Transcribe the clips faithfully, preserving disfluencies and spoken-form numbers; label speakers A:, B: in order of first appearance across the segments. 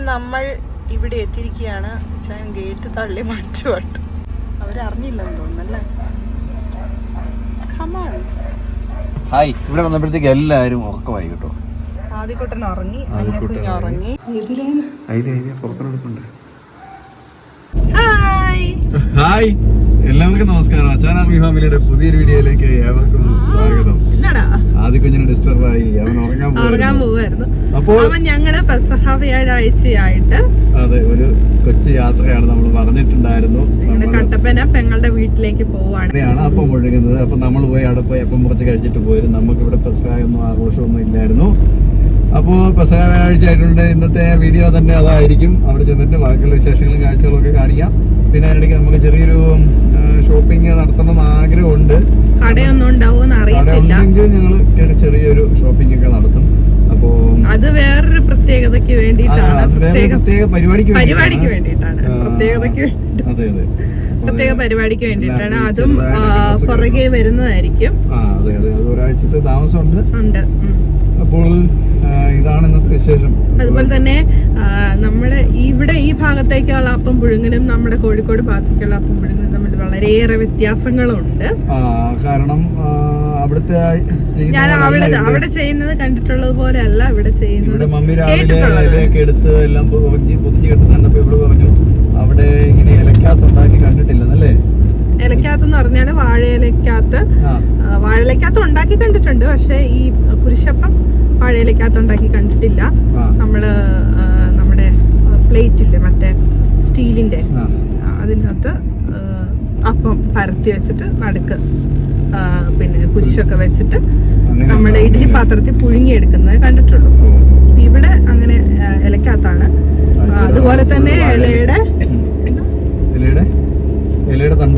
A: നമ്മൾ ഇവിടെ എത്തിയിരിക്കുകയാണ്. ഞാൻ ഗേറ്റ് തള്ളി മാറ്റുവാട്ട്. അവരറിഞ്ഞില്ലെന്ന് തോന്നുന്നല്ലേ.
B: ഹായ്. ഇവിടെ വന്നപ്പോഴത്തേക്ക് എല്ലാരും ഉറക്കമായി കേട്ടോ.
A: ആദ്യക്കുട്ടൻ ഉറങ്ങി, കുഞ്ഞ് ഉറങ്ങി.
B: ഹായ്, എല്ലാവർക്കും നമസ്കാരം. അച്ചാനാർമി ഫാമിലിയുടെ പുതിയൊരു വീഡിയോയിലേക്ക് ഏവർക്കും സ്വാഗതം. ആദ്യ കുഞ്ഞിനെ ഡിസ്റ്റർബ് ആയി, അവൻ ഉറങ്ങാൻ പോവായിരുന്നു. അപ്പോൾ
A: ഞങ്ങള് പെസഹ വ്യാഴാഴ്ചയായിട്ട്
B: അതെ ഒരു കൊച്ചു യാത്രയാണ് നമ്മൾ പറഞ്ഞിട്ടുണ്ടായിരുന്നു.
A: കട്ടപ്പന പെങ്ങളുടെ വീട്ടിലേക്ക് പോവാണ്.
B: അപ്പം മുഴുകുന്നത്. അപ്പൊ നമ്മൾ പോയി അവിടെ പോയി അപ്പം കുറച്ച് കഴിച്ചിട്ട് പോയിരുന്നു. നമുക്ക് ഇവിടെ പെസഹ ഒന്നും ആഘോഷമൊന്നും ഇല്ലായിരുന്നു. അപ്പോൾ പെസഹ വ്യാഴാഴ്ച ആയിട്ടുണ്ട്. ഇന്നത്തെ വീഡിയോ തന്നെ അതായിരിക്കും. അവിടെ ചെന്നിട്ട് ബാക്കിയുള്ള വിശേഷങ്ങളും കാഴ്ചകളും ഒക്കെ കാണിക്കാം. പിന്നെ അതിനിടയ്ക്ക് നമുക്ക് ചെറിയൊരു ഷോപ്പിംഗ് നടത്തണമെന്ന് ആഗ്രഹമുണ്ട്.
A: കടയൊന്നും ഉണ്ടാവുമെന്ന് അറിയില്ല.
B: ഞങ്ങൾ ചെറിയൊരു ഷോപ്പിംഗ് ഒക്കെ നടത്തും. അപ്പോ അത് വേറൊരു പ്രത്യേകതയ്ക്ക് വേണ്ടിയിട്ടാണ്, പ്രത്യേക പരിപാടിക്ക് പരിപാടിക്ക് വേണ്ടിയിട്ടാണ്, പ്രത്യേകതയ്ക്ക് അതെ അതെ പ്രത്യേക പരിപാടിക്ക് വേണ്ടിയിട്ടാണ്. അതും പുറകെ വരുന്നതായിരിക്കും. അതെ അതെ ഒരാഴ്ചത്തെ താമസമുണ്ട് ഉണ്ട്. അപ്പോൾ ഇതാണ് ഇന്നത്തെ വിശേഷം. അതുപോലെ തന്നെ നമ്മുടെ ഇവിടെ ഈ ഭാഗത്തേക്കുള്ള അപ്പം പുഴുങ്ങലും നമ്മുടെ കോഴിക്കോട് ഭാഗത്തേക്കുള്ള അപ്പം പുഴുങ്ങലും തമ്മിൽ വളരെയേറെ വ്യത്യാസങ്ങളുണ്ട്. കാരണം അവിടുത്തെ ഞാൻ അവിടെ അവിടെ ചെയ്യുന്നത് കണ്ടിട്ടുള്ളത് പോലെ അല്ല ഇവിടെ ചെയ്യുന്നത്. മമ്മി രാവിലെ ഇലയൊക്കെ എടുത്ത് എല്ലാം പൊതിഞ്ഞ് കെട്ടുന്നുണ്ടപ്പോ ഇവിടെ പറഞ്ഞു അവിടെ ഇങ്ങനെ ഇലക്കകത്ത് ഉണ്ടാക്കി കണ്ടിട്ടില്ലെന്നല്ലേ. ഇലക്കകത്തെന്ന് പറഞ്ഞാല് വാഴയിലക്കകത്ത് വാഴയിലക്കകത്ത് ഉണ്ടാക്കി കണ്ടിട്ടുണ്ട്. പക്ഷെ ഈ കുരിശപ്പം വാഴയിലക്കകത്ത് ഉണ്ടാക്കി കണ്ടിട്ടില്ല. നമ്മള് നമ്മുടെ പ്ലേറ്റില്ലേ മറ്റേ സ്റ്റീലിന്റെ അതിനകത്ത് അപ്പം പരത്തി വെച്ചിട്ട് നടുക്ക് പിന്നെ കുരിശൊക്കെ വെച്ചിട്ട് നമ്മുടെ ഇഡ്ഡലി പാത്രത്തിൽ പുഴുങ്ങിയെടുക്കുന്നത് കണ്ടിട്ടുള്ളൂ. ഇവിടെ അങ്ങനെ ഇലക്കകത്താണ്. അതുപോലെ തന്നെ ഇലയുടെ ഇലയുടെ തണ്ട്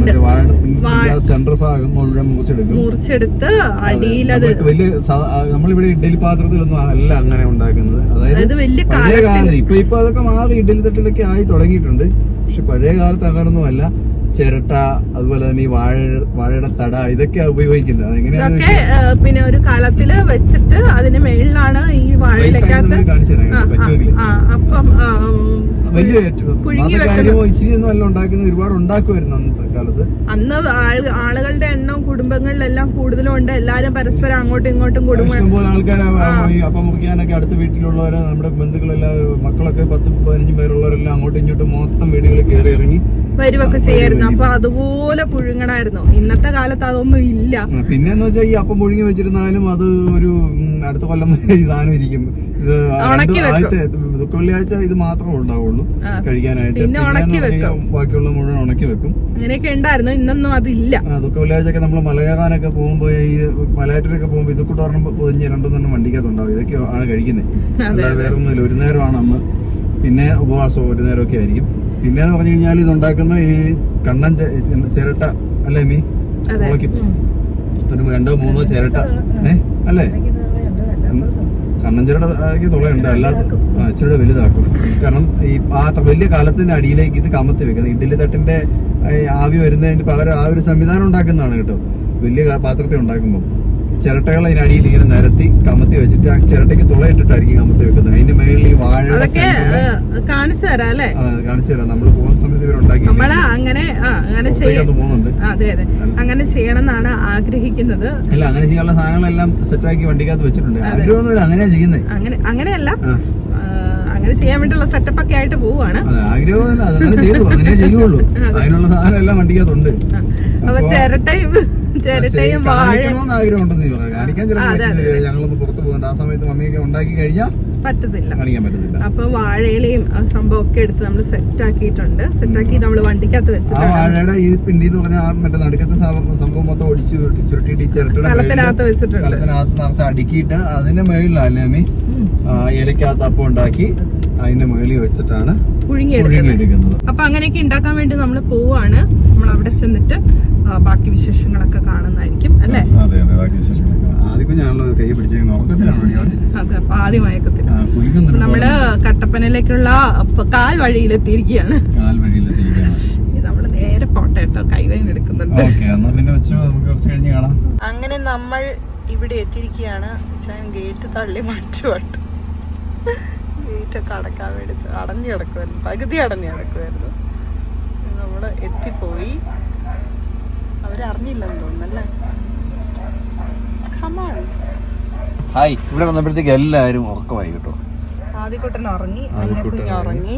B: സെന്റർ ഭാഗം മുഴുവൻ മുറിച്ചെടുക്കും. മുറിച്ചെടുത്ത് അടിയിൽ അത് വലിയ നമ്മളിവിടെ ഇഡ്ഡലി പാത്രത്തിലൊന്നും അല്ല അങ്ങനെ ഉണ്ടാക്കുന്നത്. അതായത് പഴയ കാലത്ത് ഇപ്പൊ ഇപ്പൊ അതൊക്കെ മാറി ഇഡ്ഡലി തട്ടിലൊക്കെ ആയി തുടങ്ങിയിട്ടുണ്ട്. പക്ഷെ പഴയ കാലത്ത് അങ്ങനൊന്നും അല്ല. ചിരട്ട അതുപോലെ തന്നെ ഈ വാഴ വാഴയുടെ തട ഇതൊക്കെയാ ഉപയോഗിക്കുന്നത്. ഇതൊക്കെ പിന്നെ ഒരു കലത്തില് വെച്ചിട്ട് അതിന് മേളിലാണ് ഈ വാഴയിലക്കകത്ത് അപ്പം വലിയ കാര്യമോ ഇച്ചിരി ഒന്നും അല്ല ഉണ്ടാക്കുന്നത്. ഒരുപാട് ഉണ്ടാക്കുമായിരുന്നു അന്നത്തെ കാലത്ത്. അന്ന് ആളുകളുടെ എണ്ണം കുടുംബങ്ങളിലെല്ലാം കൂടുതലും ഉണ്ട്. എല്ലാരും പരസ്പരം അങ്ങോട്ടും ഇങ്ങോട്ടും കുടുംബം ഇഷ്ടംപോലെ ആൾക്കാർ അപ്പം മുറിക്കാനൊക്കെ അടുത്ത വീട്ടിലുള്ളവര് നമ്മുടെ ബന്ധുക്കളെല്ലാം മക്കളൊക്കെ പത്ത് പതിനഞ്ചും പേരുള്ളവരെല്ലാം അങ്ങോട്ടും ഇങ്ങോട്ടും മൊത്തം വീടുകളിൽ കയറി ഇറങ്ങി വരുവൊക്കെ ചെയ്യായിരുന്നു. അപ്പൊ അതുപോലെ പുഴുങ്ങണായിരുന്നു. ഇന്നത്തെ കാലത്ത് അതൊന്നും ഇല്ല. പിന്നെന്ന് വെച്ചാൽ ഈ അപ്പം പുഴുങ്ങി വെച്ചിരുന്നാലും അത് ഒരു അടുത്ത കൊല്ലം വരെ ഈ സാധനം ഇരിക്കും. ദുഃഖവെള്ളിയാഴ്ച ഇത് മാത്രമേ ഉണ്ടാവുള്ളൂ കഴിക്കാനായിട്ട്. ബാക്കിയുള്ള മുഴുവൻ ഉണക്കി വെക്കും. അങ്ങനെയൊക്കെ ഉണ്ടായിരുന്നു. ഇന്നൊന്നും അതില്ല. ദുഃഖവെള്ളിയാഴ്ചയൊക്കെ നമ്മൾ മലകയറാനൊക്കെ പോകുമ്പോ ഈ മലയാറ്റൂരൊക്കെ പോകുമ്പോ ഇതൊക്കെ പറഞ്ഞ പൊതിഞ്ഞ് രണ്ടൊന്നും വണ്ടിക്കകത്തുണ്ടാവും. ഇതൊക്കെ ആണ് കഴിക്കുന്നത്. അല്ലാതെ വേറെ ഒന്നുമില്ല. ഒരു നേരമാണ് അന്ന്. പിന്നെ ഉപവാസം ഒരു നേരമൊക്കെ ആയിരിക്കും. പിന്നെ എന്ന് പറഞ്ഞു കഴിഞ്ഞാൽ ഇതുണ്ടാക്കുന്ന ഈ കണ്ണൻ ചിരട്ട അല്ലേ മീ തുളയ്ക്കും. ഒരു രണ്ടോ മൂന്നോ ചിരട്ട ഏഹ് അല്ലേ കണ്ണൻ ചിരട്ട തുളയുണ്ട്. അല്ലാതെ ഇച്ചിരി വലുതാക്കും. കാരണം ഈ ആ വലിയ കാലത്തിന്റെ അടിയിലേക്ക് ഇത് കമത്തി വെക്കുന്നത്. ഇഡ്ഡലി തട്ടിന്റെ ആവി വരുന്നതിന് പകരം ആ ഒരു സംവിധാനം ഉണ്ടാക്കുന്നതാണ് കേട്ടോ. വലിയ പാത്രത്തിൽ ഉണ്ടാക്കുമ്പോൾ ചിരട്ടകൾ അതിനടിയിൽ ഇങ്ങനെ നിരത്തി കമത്തി വെച്ചിട്ട് ആ ചിരട്ടയ്ക്ക് തുളയിട്ടിട്ടായിരിക്കും കമത്തി വെക്കുന്നത്. അതിന്റെ മേളിൽ ഈ വാഴ കാണിച്ചു തരാം അല്ലേ കാണിച്ചു തരാം. നമ്മൾ പോകുന്ന സമയത്ത് ഇവരുണ്ടാക്കി അങ്ങനെ പോകുന്നുണ്ട്. അതെ അതെ അങ്ങനെ ചെയ്യണം എന്നാണ് ആഗ്രഹിക്കുന്നത്. അല്ല അങ്ങനെ ചെയ്യാനുള്ള സാധനങ്ങളെല്ലാം സെറ്റാക്കി വണ്ടിക്കകത്ത് വെച്ചിട്ടുണ്ട്. ആഗ്രഹമൊന്നുമില്ല, അങ്ങനെയാ ചെയ്യുന്നത്. അങ്ങനെ അങ്ങനെയല്ല അങ്ങനെ ചെയ്യാൻ വേണ്ടിയുള്ള സെറ്റപ്പ് ഒക്കെ ആയിട്ട് പോവാണ്. ആഗ്രഹമൊന്നുമില്ല, അതങ്ങനെ ചെയ്തു അങ്ങനെ ചെയ്യുള്ളൂ. അതിനുള്ള സാധനം എല്ലാം വണ്ടിക്കകത്തുണ്ട്. അപ്പൊ ചിരട്ടയും ചിരട്ടയും ആഗ്രഹമുണ്ടെന്ന് കാണിക്കാൻ ഞങ്ങളൊന്ന് പുറത്തു പോകുന്നുണ്ട്. ആ സമയത്ത് മമ്മിയൊക്കെ ഉണ്ടാക്കി കഴിഞ്ഞാൽ പറ്റത്തില്ല, കാണിക്കാൻ പറ്റത്തില്ല. അപ്പൊ വാഴയിലയും സംഭവം ഒക്കെ എടുത്ത് നമ്മൾ സെറ്റ് ആക്കിയിട്ടുണ്ട്. സെറ്റ് ആക്കി നമ്മൾ വണ്ടിക്കകത്ത് വെച്ചിട്ടുണ്ട്. വാഴയുടെ ഈ പിണ്ടി എന്ന് പറഞ്ഞാൽ മറ്റേ നടുക്കത്തെ സംഭവം മൊത്തം ഒടിച്ച് ചുരുട്ടിയിട്ട് ചിരട്ടയുടെ കലത്തിനകത്ത് വെച്ചിട്ടുണ്ട്. കലത്തിനകത്ത് നിറച്ച് അടുക്കിയിട്ട് അതിന്റെ മേളിലല്ലേ അമ്മി ഇലക്കകത്ത് അപ്പം ഉണ്ടാക്കി അതിന്റെ മേളിൽ വെച്ചിട്ടാണ് പുഴുങ്ങിയെടുക്കുന്നത്. അപ്പൊ അങ്ങനെയൊക്കെ ഉണ്ടാക്കാൻ വേണ്ടി നമ്മൾ പോവാണ്. നമ്മൾ അവിടെ ചെന്നിട്ട് ബാക്കി വിശേഷങ്ങളൊക്കെ കാണുന്നതായിരിക്കും അല്ലേ. അതെ അതെ ബാക്കി വിശേഷങ്ങളൊക്കെ ആദ്യം കൈ അതെ പാതി മയക്കത്തില് നമ്മള് കട്ടപ്പനയിലേക്കുള്ള കാൽ വഴിയിലെത്തിയിരിക്കുകയാണ്. കാൽ വഴിയിലെത്തിയിരിക്കുകയാണ്. നമ്മള് നേരെ പോട്ടെ കേട്ടോ, കൈവേദന എടുക്കുന്നുണ്ട്. അങ്ങനെ നമ്മൾ ഇവിടെ എത്തിയിരിക്കുകയാണ്. ഗേറ്റ് തള്ളി മാറ്റുവാട്ട്.
A: ഗേറ്റൊക്കെ അടക്കാൻ വേണ്ടി അടഞ്ഞു കിടക്കുമായിരുന്നു, പകുതി അടഞ്ഞു കിടക്കുമായിരുന്നു. നമ്മൾ എത്തിപ്പോയി. അവരറിഞ്ഞില്ലെന്ന് തോന്നുന്നല്ലേ.
B: ഹായ്. ഇവിടെ വന്നപ്പോഴത്തേക്ക് എല്ലാവരും ഉറക്കമായി കേട്ടോ.
A: ആദ്യക്കുട്ടൻ ഉറങ്ങി, അന്നക്കുഞ്ഞ് ഉറങ്ങി,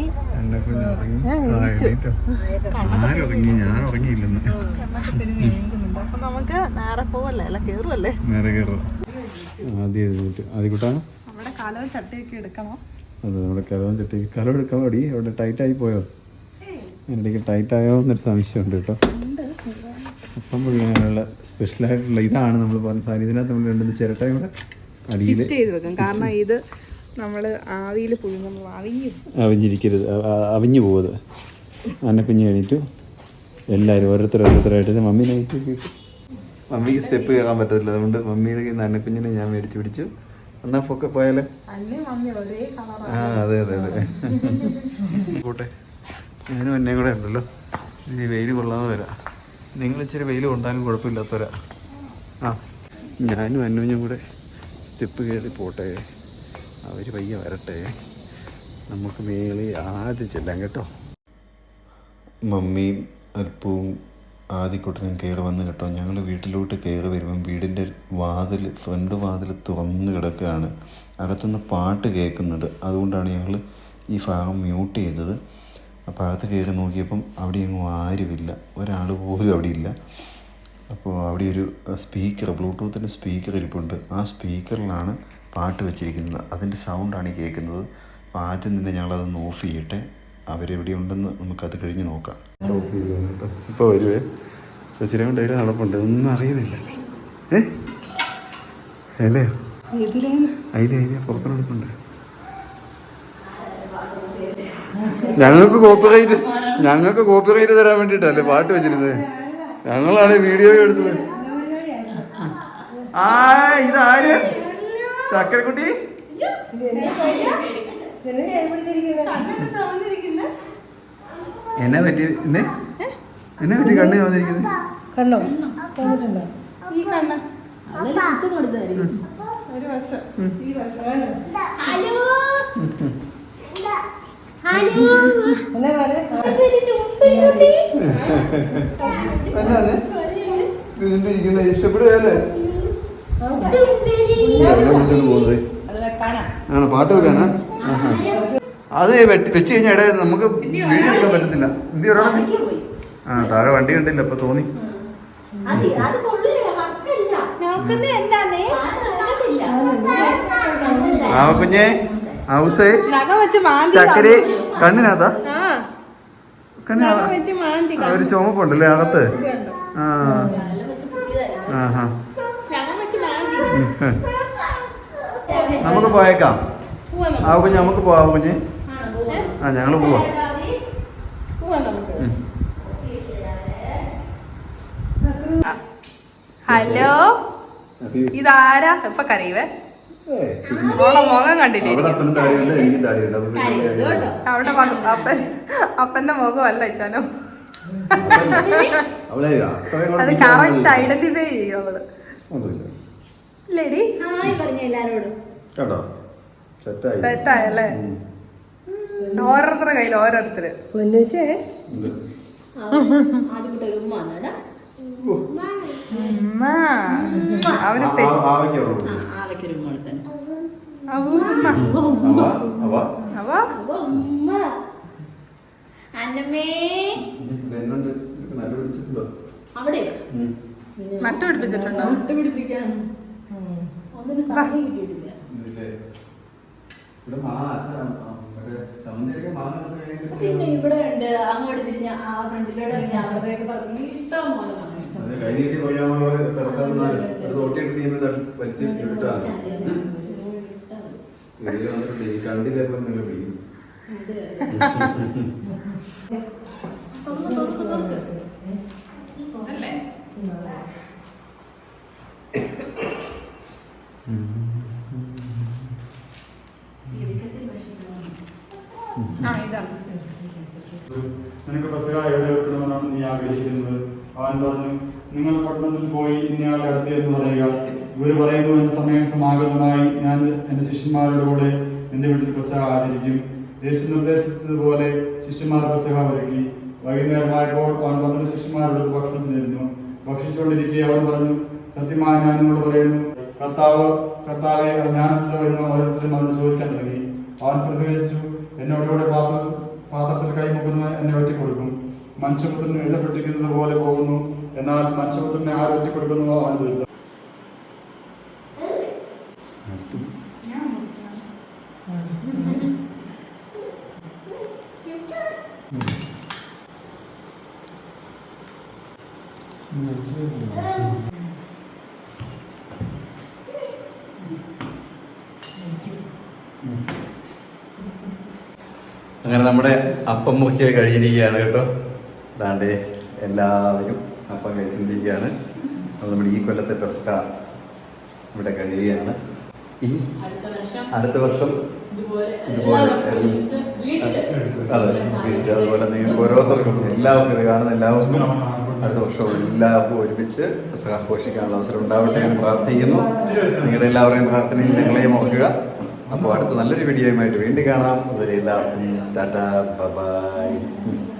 B: ഞാൻ ഉറങ്ങിയില്ലെന്ന്.
A: അപ്പൊ നമുക്ക് നേരെ പോവല്ലേ, അല്ല കേറുവല്ലേ?
B: നേരെ കയറുക. ആദ്യക്കുട്ടാ
A: നമ്മുടെ കലവും ചട്ടിയൊക്കെ എടുക്കണം.
B: അതെ, നമ്മുടെ കലവും ചട്ടി കലം എടുക്കാൻ മതി. അവിടെ ടൈറ്റായി പോയോ? എന്നിടയ്ക്ക് ടൈറ്റായോ എന്നൊരു സംശയമുണ്ട് കേട്ടോ. അപ്പം പുഴുങ്ങാനുള്ള സ്പെഷ്യലായിട്ടുള്ള ഇതാണ് നമ്മൾ പറഞ്ഞ സാധനം. ഇതിനകത്ത് നമ്മൾ രണ്ടു ചിരട്ടയും കൂടെ അടിയിൽ
A: ചെയ്ത് വെക്കും. കാരണം ഇത് നമ്മൾ ആവിയിൽ പുഴുങ്ങുമ്പോൾ അവിഞ്ഞു
B: അവിഞ്ഞിരിക്കരുത്, അവിഞ്ഞു പോകുന്നത്. അന്നക്കുഞ്ഞ് കഴിഞ്ഞിട്ടു എല്ലാവരും ഓരോരുത്തർ ഓരോരുത്തരായിട്ട് മമ്മീനെ കിട്ടും. മമ്മിക്ക് സ്റ്റെപ്പ് കയറാൻ പറ്റത്തില്ല, അതുകൊണ്ട് മമ്മിയുടെ അന്നക്കുഞ്ഞിനെ ഞാൻ മേടിച്ച് പിടിച്ചു. എന്നാ പൊക്കെ പോയാലേ. ആ അതെ അതെ അതെ പോട്ടെ. ഞാനും എന്നെയും കൂടെ ഉണ്ടല്ലോ. ഈ വെയിൽ കൊള്ളാതെ വരാം. നിങ്ങൾ ഇച്ചിരി വെയിൽ കൊണ്ടാലും കുഴപ്പമില്ലാത്തവരാ. ആ ഞാനും അന്നുഞ്ഞും കൂടെ സ്റ്റെപ്പ് കയറി പോട്ടെ. അവർ പയ്യെ വരട്ടെ, നമുക്ക് മേളിൽ ആദ്യം ചെല്ലാം കേട്ടോ. മമ്മിയും അല്പവും ആദ്യക്കുട്ടനും കയറി വന്ന് കേട്ടോ. ഞങ്ങൾ വീട്ടിലോട്ട് കയറി വരുമ്പം വീടിൻ്റെ വാതിൽ, ഫ്രണ്ട് വാതിൽ തുറന്ന് കിടക്കുകയാണ്. അകത്തുനിന്ന് പാട്ട് കേൾക്കുന്നുണ്ട്. അതുകൊണ്ടാണ് ഞങ്ങൾ ഈ ഭാഗം മ്യൂട്ട് ചെയ്തത്. അപ്പോൾ അകത്ത് കയറി നോക്കിയപ്പം അവിടെ എങ്ങും ആരുമില്ല, ഒരാൾ പോലും അവിടെ ഇല്ല. അപ്പോൾ അവിടെ ഒരു സ്പീക്കർ, ബ്ലൂടൂത്തിൻ്റെ സ്പീക്കർ ഇരിപ്പുണ്ട്. ആ സ്പീക്കറിലാണ് പാട്ട് വെച്ചിരിക്കുന്നത്. അതിൻ്റെ സൗണ്ടാണ് ഈ കേൾക്കുന്നത്. അപ്പോൾ ആദ്യം തന്നെ ഞങ്ങളതൊന്ന് ഓഫ് ചെയ്യട്ടെ. അവരെവിടെ ഉണ്ടെന്ന് നമുക്കത് കഴിഞ്ഞ് നോക്കാം. ഓഫ് ചെയ്തു കേട്ടോ. ഇപ്പോൾ വരുവേ. ചേച്ചിനെ കൊണ്ട് അതിൽ നടപ്പുണ്ട്, ഒന്നും അറിയുന്നില്ല. ഏ അല്ലയോ അതിലെ അതിലെ പുറത്ത് നടപ്പുണ്ട്. ഞങ്ങൾക്ക് കോപ്പിറൈറ്റ് ഞങ്ങൾക്ക് കോപ്പിറൈറ്റ് തരാൻ വേണ്ടിയിട്ടല്ലേ പാട്ട് വെച്ചിരുന്നത്. ഞങ്ങളാണ് വീഡിയോ എടുത്തത്. ആ ഇതാര്? ചക്കരക്കുട്ടി എന്നാ പറ്റി? എന്നെ എന്നാ പറ്റി കണ്ണ് വന്നിരിക്കുന്നത്? കണ്ടോ? ഈ കണ്ണ ഒരു വശം ഈ വശം. ഇഷ്ടപ്പെടുകയല്ലേ? ആണോ പാട്ട് വെക്കാനാ? അത് വെച്ച് കഴിഞ്ഞാൽ ഇടയിൽ നമുക്ക് വീഡിയോ എടുക്കാൻ പറ്റത്തില്ല. എന്ത് ഒരാളെ ആ താഴെ വണ്ടി കണ്ടില്ല, അപ്പൊ തോന്നി. ആ കുഞ്ഞേ ഹൗസേ ചക്കരി കണ്ണിനകത്താ? കണ്ണിനകത്താ ഒരു ചുമപ്പുണ്ടല്ലേ അകത്ത്? ആ ആഹാ നമുക്ക് പോയേക്കാം. ആ കുഞ്ഞ് നമുക്ക് പോവാം കുഞ്ഞ്. ആ ഞങ്ങൾ പോവാം.
A: ഹലോ, ഇതാരാ? ഇപ്പൊ കരയുവേ. ഓളെ മുഖം കണ്ടില്ലേ? അവിടെ അപ്പൻ അപ്പന്റെ മുഖമല്ല ഇച്ചാനോ. അത് കറക്റ്റ് ഐഡന്റിഫൈ ചെയ്യും അവള്. ലേഡി സെറ്റായല്ലേ? ഓരോരുത്തരുടെ കയ്യിൽ ഓരോരുത്തര്. അവന് നട്ടുപിടിപ്പിച്ചിട്ടുണ്ടോ?
C: പിന്നെ ഇവിടെ ഉണ്ട്, അങ്ങോട്ട് തിരിഞ്ഞ ആ ഫ്രണ്ടിലോട്ട് ഇറങ്ങി അവരുടെയൊക്കെ പറഞ്ഞു ഇഷ്ടം പോലെ
B: കണ്ടില്ല.
D: നിനക്ക് പെസഹ എവിടെ വെക്കണമെന്നാണ് നീ ആഗ്രഹിക്കുന്നത്? അവൻ പറഞ്ഞു, നിങ്ങൾ പട്ടണത്തിൽ പോയി ഇന്നയാളെ അടുത്ത് എന്ന് പറയുക. ഇവർ പറയുന്നു, എന്റെ സമയം സമാഗതമായി, ഞാൻ എന്റെ ശിഷ്യന്മാരുടെ കൂടെ നിന്റെ വീട്ടിൽ പെസഹ ആചരിക്കും. യേശു നിർദ്ദേശിച്ചതുപോലെ ശിഷ്യന്മാർ പെസഹ ഒരുക്കി. വൈകുന്നേരമായപ്പോൾ അവൻ പന്ത്രണ്ട് ശിഷ്യന്മാരോട് ഭക്ഷണത്തിനിരുന്നു. ഭക്ഷിച്ചുകൊണ്ടിരിക്കെ അവൻ പറഞ്ഞു, സത്യമായി ഞാൻ നിങ്ങളോട് പറയുന്നു, കർത്താവ് കർത്താവെ അത് ഞാനല്ലോ എന്ന് ഓരോരുത്തരും അവൻ ചോദിക്കാൻ തുടങ്ങി. അവൻ പ്രതികരിച്ചു, എന്നോടുകൂടെ പാത്ര പാത്രത്തിൽ കൈമുക്കുന്നു എന്നെ ഒറ്റിക്കൊടുക്കും. മനുഷ്യപുത്രന് എഴുതപ്പെട്ടിരിക്കുന്നത് പോലെ പോകുന്നു. എന്നാൽ മനുഷ്യപുത്രനെ ആര് ഒറ്റിക്കൊടുക്കുന്നു അവൻ ദുരിതം.
B: അങ്ങനെ നമ്മുടെ അപ്പം മുറിക്കൽ കഴിഞ്ഞിരിക്കുകയാണ് കേട്ടോ. അതാണ്ട് എല്ലാവരും അപ്പം കഴിച്ചിരിക്കുകയാണ്. അത് നമ്മുടെ ഈ കൊല്ലത്തെ പെസഹ ഇവിടെ കഴിയുകയാണ്. ഇനി അടുത്ത വർഷം ഇതുപോലെ അതെ വീട്ടിൽ അതുപോലെ നിങ്ങൾക്ക് ഓരോരുത്തർക്കും എല്ലാവർക്കും ഇത് കാണുന്ന എല്ലാവർക്കും അടുത്ത വർഷം എല്ലാവർക്കും ഒരുമിച്ച് പെസഹ ആഘോഷിക്കാനുള്ള അവസരം ഉണ്ടാവട്ടെ എന്ന് പ്രാർത്ഥിക്കുന്നു. നിങ്ങളുടെ എല്ലാവരുടെയും പ്രാർത്ഥനയിൽ ഞങ്ങളെയും ഓർക്കുക. അപ്പോൾ അടുത്ത നല്ലൊരു വീഡിയോയുമായിട്ട് വീണ്ടും കാണാം. അതുവരെ എല്ലാവർക്കും ടാറ്റാ ബൈ.